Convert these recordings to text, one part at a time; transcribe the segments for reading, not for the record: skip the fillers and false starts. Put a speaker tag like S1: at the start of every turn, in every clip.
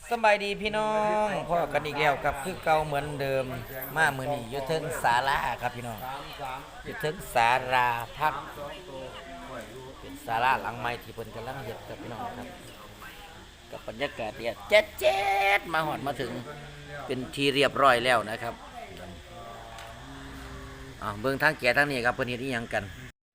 S1: สบายดีพี่น้องพ่อกันอีกแล้วกับคือเก่าเหมือนเดิมมามื้อนี้อยู่เทิงศาลาครับพี่น้องอยู่เทิงศาลาพักเป็นศาลาหลังใหม่ที่เพิ่นกำลังเฮ็ดครับพี่น้องครับกับบรรยากาศเนี่ยแจ๊ดมาหอดมาถึงเป็นที่เรียบร้อยแล้วนะครับเบิ่งทางแก่ทางนี้ครับเพิ่นเฮ็ดอีหยังกัน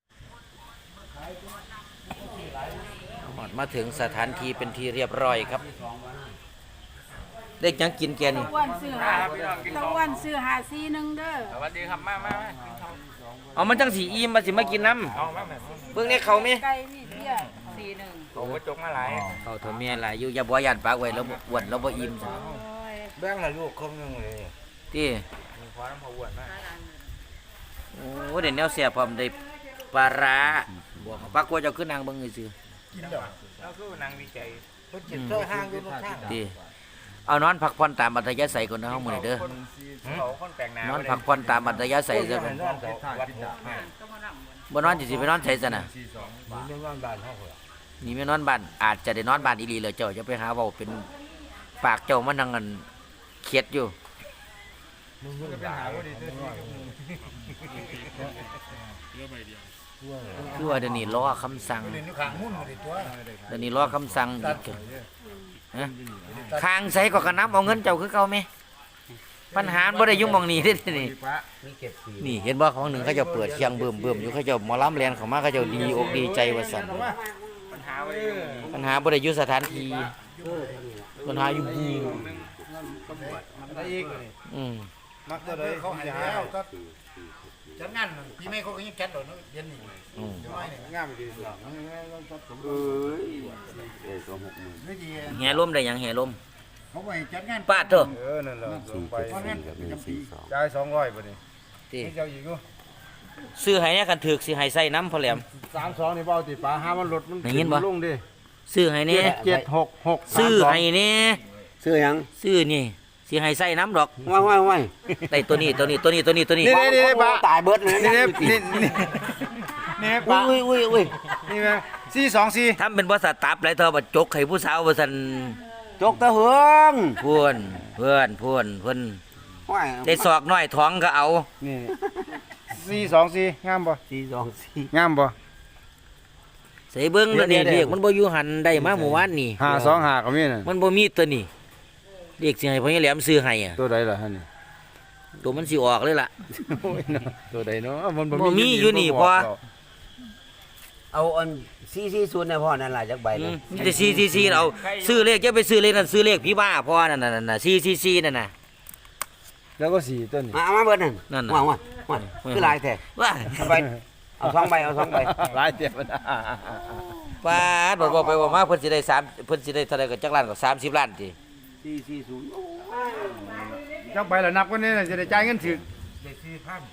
S1: หอดมาถึงสถานที่เป็นที่เรียบร้อยครับเด็กยังกินแกนี่
S2: ตะวันซื้อหาซีหนึ่งเด้อ
S3: สวัสดีครับมา
S1: เอามันจังสีอิ่มมาสิมากินน้
S3: เอามาแบบ
S1: ำเบิ่งเนี่ยเขาไหม
S2: ไก่มีเบี้ย41
S3: โอ้กระจกมาหลาย
S1: เขาเถอะเมียหลายอยู่อย่าบ่ยันปากไว้แล้วอ้วนแล้วบ่อิ่มซะ
S3: แบ่งละลูกครึ่งนึงเลย
S1: ที่
S3: มีความน้ำพออ้วนมาก
S1: โอ้เดี๋ยวแนวเสียพร้อมได้ปลาร้าบอกปลากลัวเจ้าขึ้นนางเบิ่งซื่อ
S3: กินดอกแล้วคือนางวิจัยเพิ่นจิตเสื้อห้างอยู่ตรงข้าง
S1: ที่เอานอนพักผ่อนตามอัธยาศัยก่อนนะเฮามื้อนี้เด้อ
S3: เขาคนแปลงน้ำ
S1: นอนพักผ่อนตามอัธยาศัยซะก่อน
S3: วัดหก
S1: บ่นอนสิไปนอนไสซะน่ะ
S3: มีเงินบาทเท่าไหร่
S1: นี่ไม่นอนบ้านอาจจะได้นอนบ้านอีหลีเลยเจ้าจะไปหาเว้าเป็นปากเจ้ามันนั่งกันเข็ดอยู่
S3: มึงก็ไปหาว่าดีด้วย
S1: คือว่าเดี๋ยวนี้รอคำสั่ง
S3: เล่นอยู่ข้างหุ้นมาดิตัว
S1: เดี๋ยวนี้รอคำสั่งอีกฮะค้างใส่ก็กระนับเอาเงินเจ้าคือเก่าไหมปัญหาบ่ได้ยุ่งหมองนี้เด้นี่
S3: มีเก็บสี
S1: นี่เห็นบ่ของหนึ่งเขาเจะเปิดเคียงเบิ่มอยู่เขาเจะหมอลำแลนเข้ามาเขาเจะดีอกดีใจว่าสั่น
S3: ปัญหาไว้
S1: ปัญหาบ่ได้อยู่สถานที่ปัญหาอยู่บู
S3: ได้อีก มักจะเลยเขาหายแล้วก็จัดงานพี่แม่เขาก็ยังแก๊สโดดเย็นนี่งามดีสุดไม่ดี
S1: แห่ลมได้หยังแห่ลม
S3: เขาไปจัดงาน
S1: ปาดเถอะ
S3: นั่นแหละไปจ่าย200บ่นี่
S1: ที่
S3: เจ้าอีกอยู่
S1: ซื้อให้เนี่ยกันถึกสิให้ใส่น้ำพอแหลม
S3: 32นี่เบาติปลาหามันลดมัน
S1: ได้ยินบ่
S3: ลงดิ
S1: ซื้อให้เนี่ย
S3: 766
S1: ซื้อให้เนี่ย
S4: ซื้อหยัง
S1: ซื้อนี่สิให้ใส่น้ำดอก
S4: ว่าย
S1: ได้ตัวนี้
S3: นี่
S4: ปลาตายเบิดเลย
S3: นี่ปลา
S1: อุ้ย
S3: นี่แม่424
S1: ทำเป็นบริษัทตับไรเธอบัดจกให้ผู้สาวบริษัท
S4: จกตะเหือง
S1: เพื่อน
S4: ว่าย
S1: ได้ศอกน้อยท้องก็เอา
S3: นี่424งามบ่
S4: 424
S3: งามบ่
S1: ใส่เบิ้งแล้วนี่
S4: เดี๋ยว
S1: เรียกมันบ่อยู่หันได้มาเมื่อวานนี่
S3: 525ก็มีน่ะ
S1: มันบ่มีตัวนี่เรียกสิให้พ่อใหญ่แหลมซื้อให้อ่ะ
S3: ตัวใดล่ะฮะนี่
S1: ตัวมันสิออกเลยล่ะ
S3: ตัวใดเนาะมัน
S1: บ่มีอยู่นี่พอ
S4: เอาอัน440เนี่ยพ่อนั่นล่ะจักใบ
S1: อื
S4: นึ
S1: ม
S4: ง
S1: มีแต่ซีเอาซื้อเลขจะไปซื้อเลขนั่นซื้อเลขพี่บ้าพ่อนั่นน่ะซีนั่นน่ะ
S3: แล้วก็4ตัวนี่
S4: มาเอามาเบิดนั่น
S1: นั่นน่ะ
S4: ว่างคือหลายแท้
S1: ว่า
S4: เอาไปเอา2ใบเอา2ใบ
S3: หลายเตียบนะ
S1: ป้าดบอกไปว่ามาเพิ่นสิได้3เพิ่นสิได้เท่าใดก็จักล้านก็30ล้านติ
S4: 440โอ้
S3: จักใบละนับกันนี่จะได้จ่ายเงินถึกได้4,000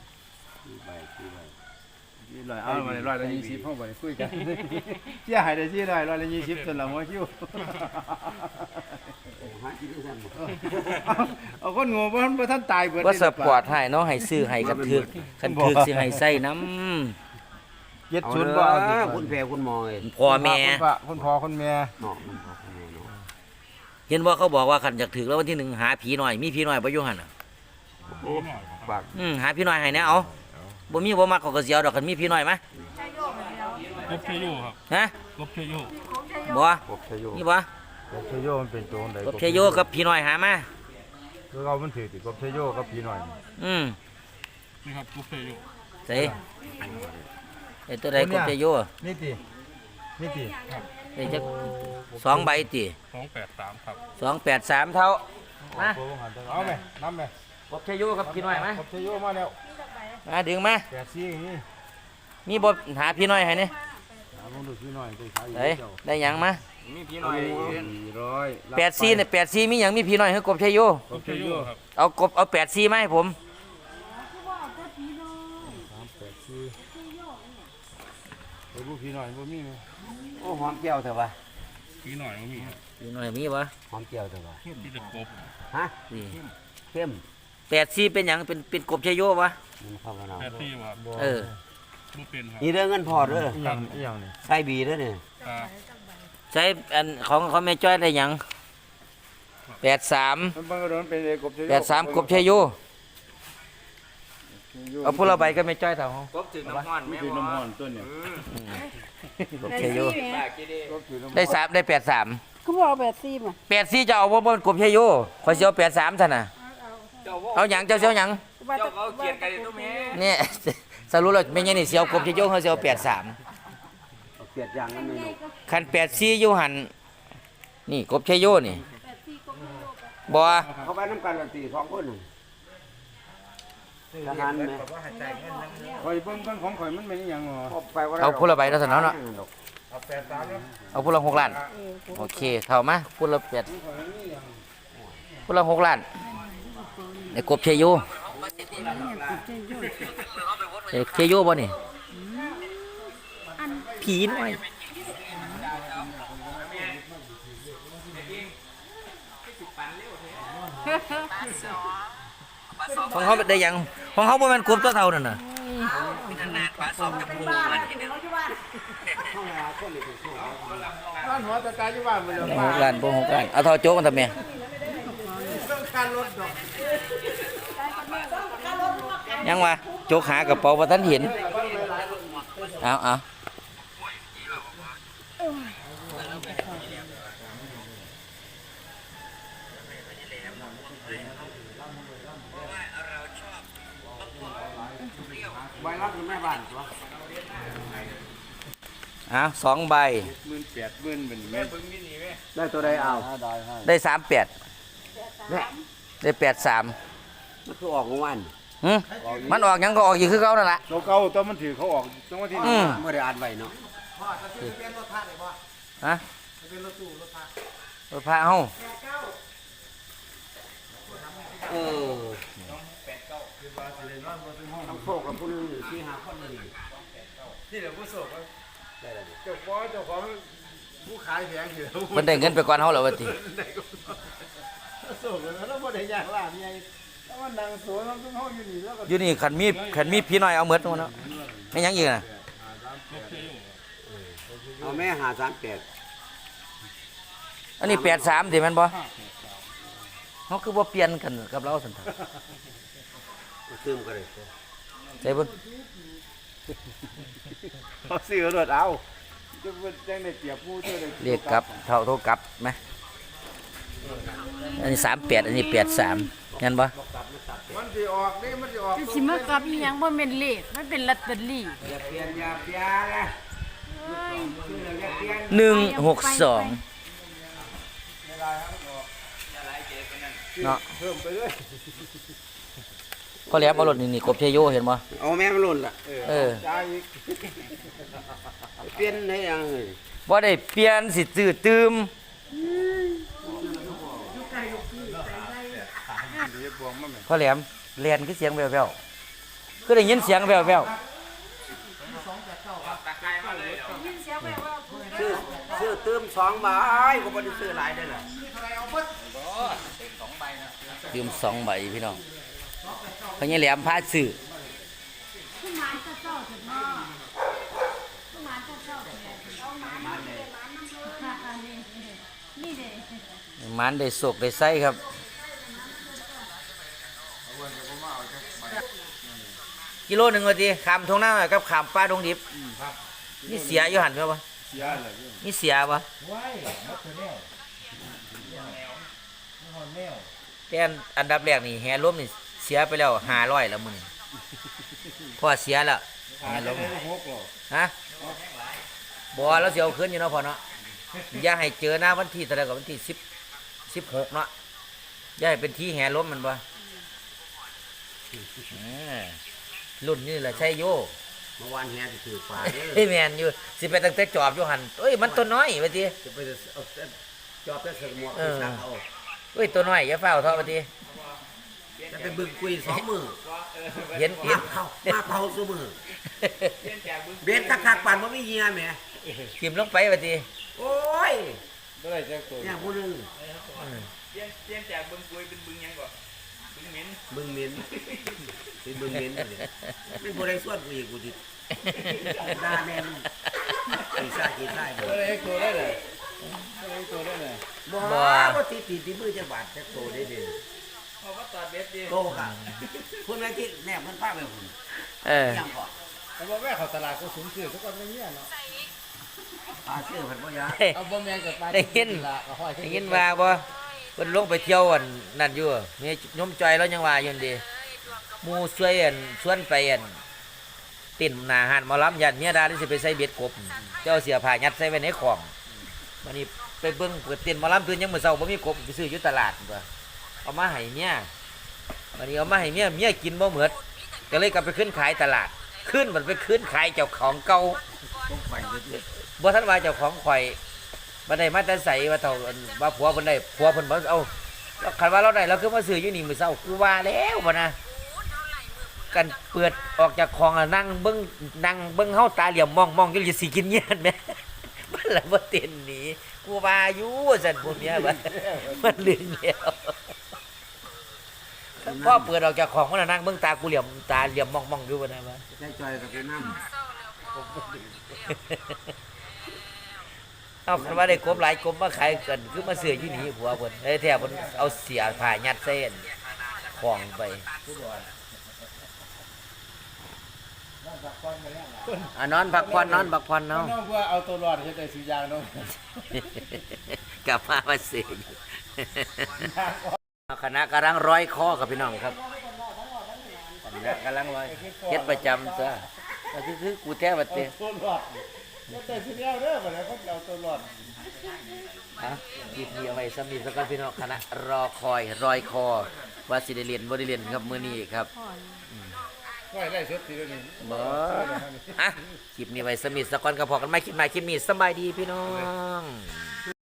S3: เอามาได้120เฮาบ่ได้คุยกันเสียหายได้120จนละหัวคิว
S4: หากินได้ซั่นบ่
S3: เอาคนโง่บ่ทันตายเบิด
S1: ว่าสปอร์ตให้เนาะให้ซื้อให้กันถึกคันถึกสิให้ใส่น้ำ
S4: เอา
S3: 70
S4: เด้
S3: บ่เอา
S4: อ
S3: ดิ
S4: คุณแพ่คุณหมอเอ้ย
S1: พ่อแม่
S3: คนพ่อคนแม่
S4: เนาะคุณพ่อคุณแม่เนาะ
S1: เห็นว่าเขาบอกว่าคันอยากถึกแล้ววันที่1หาผีหน่อยมีผีหน่อยบ่อยู่หั่นน่ะ
S4: ปาก
S1: หาผีหน่อยให้แน่เอาบ่มีบ่มักเขาก็สิเอาดอกคันมีผีหน่อยมาก
S5: บเชยูครับ
S1: ฮะ
S5: กบเชยู
S1: บ่
S3: กบชโย
S1: นี่บ่
S3: กบชโยมันเป็นโจรใด
S1: กบเชโยกับผีหน่อยหามา
S3: คือเอามันถือติกบชโยกับพี่หน่อย
S1: อืม
S5: นี่ครับกบเชยู
S1: ใส่ไอ้ตัวใดกบเชโย
S3: นี่ตินี่ติ
S1: ได้จัก2ใบติ
S5: 283ครับ
S1: 283เท่ามา
S3: เอาไหมน้ำไหม
S1: กบเชโยกับผีหน่อยมาก
S3: บชโยมาแล้ว
S1: มาดึงมา
S3: 84อย่างนี้
S1: มีบ่หาผีหน่อยให้นี่
S3: เอาลงดูพี่หน่อยได้ขาย
S1: ได้หยังมา
S3: มีพี่หน่อย400
S1: 84เนี่ย84มีหยังมีผีหน่อยคือกบเชโย
S5: กบเชยูครับ
S1: เอา84มาให้ผม
S3: ไอ้ผู้พี่หน่อยบ่มีไหม
S4: โอ้หอมแก้วเถอะวะ
S5: พี่หน่อยก็มีครับ
S1: ผีหน่อยมีบ่
S4: หอมแก้วเถอะวะ
S5: ที่จะกบ
S4: ฮะ
S1: นี่
S4: เข้ม
S1: 84เป็นหยังเป็นกบเชโยบ่
S4: มันเข้ามาเนาะ
S5: แพทที่ครับ
S1: เออ
S5: บ่เป็นครับ
S4: นี่เรื่องเงินพอเด้อ
S3: อีหยังนี่
S4: ใส่บีเด้อเนี่ย
S5: ครับ
S1: ใช้อันของแม่จ้อยได้หยัง
S5: ค
S1: 83
S3: มันบังเอิญมันเป็นเอกบ
S1: 83กบชัยโยเอาพวกเราใบก็ไม่จ้อยเท่าเฮาก
S5: บถึงน้ำมันไม่ถึงน้ำมันต้นเนี่ย
S1: กบชัยโย
S3: ได้
S1: ได้83
S2: เขาบอกแบบซีมา
S1: 84จะเอาบ่กบชัยโยข่อยสิเอา83ซั่นน่ะเอาหยังเจ้าสิเอาหยัง
S2: ว่าจะเขียนกันตรงนี้
S1: เนี่ย สรุปแล้วแม่นยังนี่สิเอากบชัยโยเฮาสิเอา83
S4: เปลี่ยนอย่างนั้นเลย
S1: คัน84อยู่หั่นนี่กบชัยโยนี่บ่
S4: เขาไปน้ำกันละตี2คนทหารไหม
S3: ข่อยเบิ่งของข่อยมันเป็นอย่างหรอ
S1: เอาพวกเราใบแล้วซั่นเนาะ
S3: เอา83แล้ว
S1: เอาพวกเรา6ล้านโอเคเท่ามาพวกเรา8พวกเรา6ล้านในกบชัยโยชัยโยบ่นี่ผีน้อยของเขาได้ยังของเขาบ่แม่นกบตัวเท่านั่นน่ะ
S3: ร้านหัวตะกายอยู่บ้านไปเลย
S1: 6ล้านบ่6ล้านเอาเท่าโจ๊กกันทำไม
S3: ต้องการรถดอก
S1: ยังวะโจ๊กหากระเป๋าบ่ทันเห็นเอา
S4: ใบรับแม่บ้านตัว
S1: เอา2ใบ
S3: 18,000เป็นแม่เบิ่งนี่นี่แม่
S4: ได้ตัวใดเอา
S1: ได้38ได้83
S4: มันคือออกของวัน
S1: มันออกหยังก็ออกอยู่คือเก่านั่นล่ะ
S3: ตัวเก่าตัวมันถือเขาออกจังหวะที่
S4: เมื่อได้อ่านไว้เนาะ
S1: ฮะรถพระเฮา
S4: ต้องโชคกับผู้นึง4-5คนเลย
S3: ที่เหลือผู้โศกเจ้าของผู้ขายแผงอยู่
S1: เพิ่นได้เงินไปก่อนเฮาแล้วว่าติ
S3: โศกเลยแล้วบ่ได้ยากล่ะใหญ่แล้วมันนั่งสวนมันต้องเฮาอยู่นี่แล้วก็
S1: อยู่นี่คันมีพี่น้อยเอาหมดเนาะไม่หยังอีกน่ะ
S4: เอาแม่538
S1: อันนี้83ติแม่นบ่เฮาคือบ่เปลี่ยนกันกับเราซั่นเถอะ
S4: ซึมกันเลย
S1: ใส่เบิ่ง
S3: เขาซื้อรถเอาจะเป็นจังได้เปรียบผู้เท่าใด
S1: เรียกกลับเท่าโทรกลับไหมอันนี้38อันนี้83งั้นบ่
S3: มันสิออกนี่มันสิออก
S2: สิมากับอีหยังบ่แม่นเลขมันเป็นลอตเตอรี่
S4: อย่าเปลี่ยนอย่าเปลี่ยนนะชื่ออย่าเปลี่ยน
S1: 162เนาะ
S3: เพิ่มไปเลย
S1: พอแหลมเอารถนี่กบชัยโยเห็นบ่
S4: เอาแม่มันหล่นล่ะ
S1: เออ
S3: จ่ายอีก
S4: เปลี่ยนให้ยังเลย
S1: บ่ได้เปลี่ยนสิตื้อตืม
S3: เดี๋ยวบวงมาแม่
S1: พอแหลมแล่นคือเสียงแว่วๆคือได้ยินเสียงแว่ว
S4: ซื้อเติม2ใบก็บ่ได้ซื้อหลายได้ล่ะ
S1: ๆยืม2ใบพี่น้องพญาแหลมพาซื้อมันได้โศกได้ไส้ครับกิโลหนึ่งว่าทีขามทงหน้ากับขามป้าดงดิบนี่เสียอยู่หันเปล่าวะ
S3: เสียเลย
S1: นี่เสียปะแต่อันดับแรกนี่แฮร่มนี่เสียไปแล้ว500แล้วมึงพอเสียแล้วแฮร่ม
S3: 6หรอ
S1: ฮะบ่แล้วเสียเอาขึ้นอยู่เนาะพอเนาะอย่าให้เจอหน้าวันที่เท่าไหร่กับวันที่16เนาะอย่าให้เป็นที่แฮร่มมันบ่รุ่นนี่แหละใช่โย
S4: เมื่อวานแฮสิถือฝาเด้อ
S1: เฮ้ยแมนอยู่สิไปตั้งแต่จอบอยู่หันเอ้ยมันตัวน้อยไปที
S4: จะไปเอาจอบแต่เสกหมวกไปซักเอา
S1: เอ้ยตัวน้อยอย่าเฝ้าเท่าไปที
S4: จะไปบึงกุย2มื้อ
S1: เห็น
S4: มาเผาซุมื้อเบ็ดคักๆปานบ่มีเหยื่อแหม
S1: ทิมลงไปไปที
S4: โอ้ย
S3: บ่ได้จักตัว
S4: เนี่ยผู้หนึง
S5: เปลี่ยนจากบึงกุยเป็นบึงยังก่อนบึงเหม็น
S4: บึงเหม็นเป็นบึงเหม็นเลยไม่บ่ได้ส่วนกูอีกกูสิด่าแม่นอีซ่าบ่
S3: บ่ได้ตัวได้เลย
S4: เ
S3: ตัวได้เลย
S4: บ่บ่ตีมือจะบาดจะโตได้เด้
S5: เขาก็ตัดเบ็ดดิ
S4: โตค่ะคุณแม่ที่แนบมันพาไปพุ่น
S1: เออ
S4: ยังก่อน
S3: แต่ว่าแม่เขาตลาดก็สูงขึ้นทุกคนไม่เงี้ยเนาะ
S4: ชื่อเพิ่นบ่ยา
S3: เอาบ่แม่นกับ
S1: ได้ยินได้ยินว่าบ่เพิ่นลงไปเที่ยวอันนั่นอยู่มียมจอยแล้วยังว่าอยู่นั่นดิหมู่ช่วยอันชวนไปอันติ่นหน้าห้านหมอลำยันเมียดาที่สิไปใส่เบ็ดกบเจ้าเสียผ้ายัดใส่ไว้ในของบัดนี้ไปเบิ่งเปิดเต้นหมอลำตื่นยังมื้อเช้าบ่มีกบไปซื้ออยู่ตลาดตัวเอามาให้เมียบัดนี้เอามาให้เมียกินบ่หมดก็เลยกลับไปขึ้นขายตลาดขึ้นมันไปขึ้นขายเจ้าของเก่า
S4: ต้องไปเด้อ
S1: บ่ทันว่าเจ้าของข่อยบ่ได้มาแต่ใส่ว่าเท่าว่าผัวเพิ่นได้ผัวเพิ่นบ่เอาคันว่าเราได้เราคือมาซื้ออยู่นี่มื้อเช้ากูว่าแล้วบ่นะกันเปิดออกจากคลองแล้วนั่งเบิ่งเฮาตาเหลี่ยมมองอยู่สิกินเงียนแหมมันละบ่เต้นหนีกูว่าอยู่ซั่นพวกเนี้ยบัดมันลืมแล้วพอเปิดออกจากคลองมันนั่งเบิ่งตากูเหลี่ยมตาเหลี่ยมมองอยู่บ่นะว่า
S4: ใจจอยกับไปนำ
S1: เอาคันว่าได้กบหลายกบมาขายกันคือมาซื้ออยู่นี่ผัวเพิ่นไอ้แท้เพิ่นเอาเสียผ้ายัดเส้นของไปนอนพักผ่อนเนาะ
S3: น้องว่าเอาตัวรอดเฮ็ดได้สิอย่างเนาะ
S1: กลับมาซื้ออยู่คณะกำลังร้อยคอกับพี่น้องครับคณะกำลังร้อยเฮ็ดประจำซะก็คือกูแท้บัดเต
S3: ตัวรอดเฮ็ดได้สิแล้วเด้อบ่ได้เขาเอาตัวรอด
S1: ฮะหยิบเอาไว้ซ้ำนี่สักกันพี่น้องคณะรอคอยรอยคอว่าสิได้เรียนบ่ได้เรียนครับมื้อนี้ครับ
S3: ไว้ได้สุดทีเดียวนี้
S1: บ่อ่ะคลิปนี้ไว้สมิธสกอนกับพอกันไม่คลิปใหม่คลิปนี้สบายดีพี่น้อง